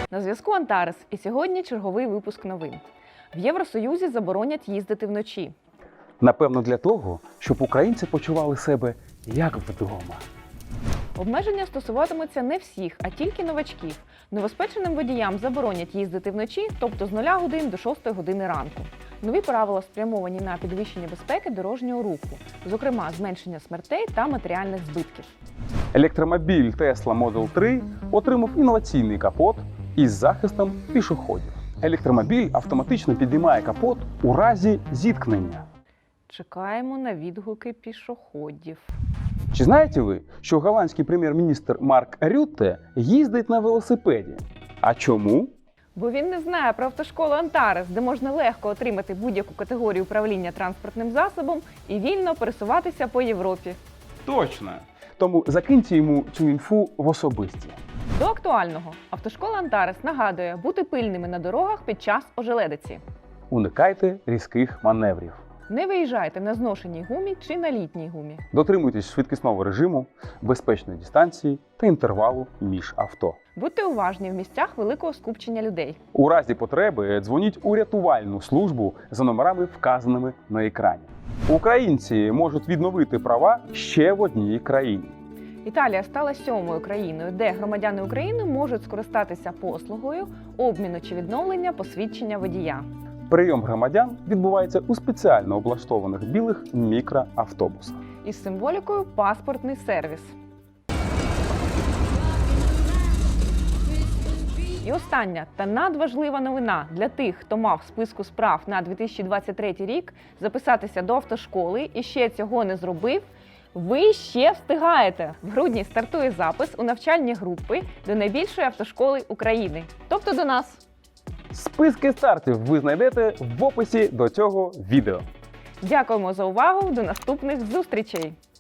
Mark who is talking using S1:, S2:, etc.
S1: На зв'язку Антарес, і сьогодні черговий випуск новин. В Євросоюзі заборонять їздити вночі.
S2: Напевно, для того, щоб українці почували себе як вдома.
S1: Обмеження стосуватимуться не всіх, а тільки новачків. Новоспеченим водіям заборонять їздити вночі, тобто з 0 годин до 6 години ранку. Нові правила спрямовані на підвищення безпеки дорожнього руху, зокрема зменшення смертей та матеріальних збитків.
S2: Електромобіль Tesla Model 3 отримав інноваційний капот із захистом пішоходів. Електромобіль автоматично підіймає капот у разі зіткнення.
S1: Чекаємо на відгуки пішоходів.
S2: Чи знаєте ви, що голландський прем'єр-міністр Марк Рютте їздить на велосипеді? А чому?
S1: Бо він не знає про автошколу Антарес, де можна легко отримати будь-яку категорію управління транспортним засобом і вільно пересуватися по Європі.
S2: Точно! Тому закиньте йому цю інфу в особисті.
S1: До актуального. Автошкола Антарес нагадує бути пильними на дорогах під час ожеледиці.
S2: Уникайте різких маневрів.
S1: Не виїжджайте на зношеній гумі чи на літній гумі.
S2: Дотримуйтесь швидкісного режиму, безпечної дистанції та інтервалу між авто.
S1: Будьте уважні в місцях великого скупчення людей.
S2: У разі потреби дзвоніть у рятувальну службу за номерами, вказаними на екрані. Українці можуть відновити права ще в одній країні.
S1: Італія стала 7-ю країною, де громадяни України можуть скористатися послугою обміну чи відновлення посвідчення водія.
S2: Прийом громадян відбувається у спеціально облаштованих білих мікроавтобусах.
S1: Із символікою «паспортний сервіс». І остання та надважлива новина для тих, хто мав в списку справ на 2023 рік записатися до автошколи і ще цього не зробив. Ви ще встигаєте! В грудні стартує запис у навчальні групи до найбільшої автошколи України, тобто до нас.
S2: Списки стартів ви знайдете в описі до цього відео.
S1: Дякуємо за увагу, до наступних зустрічей!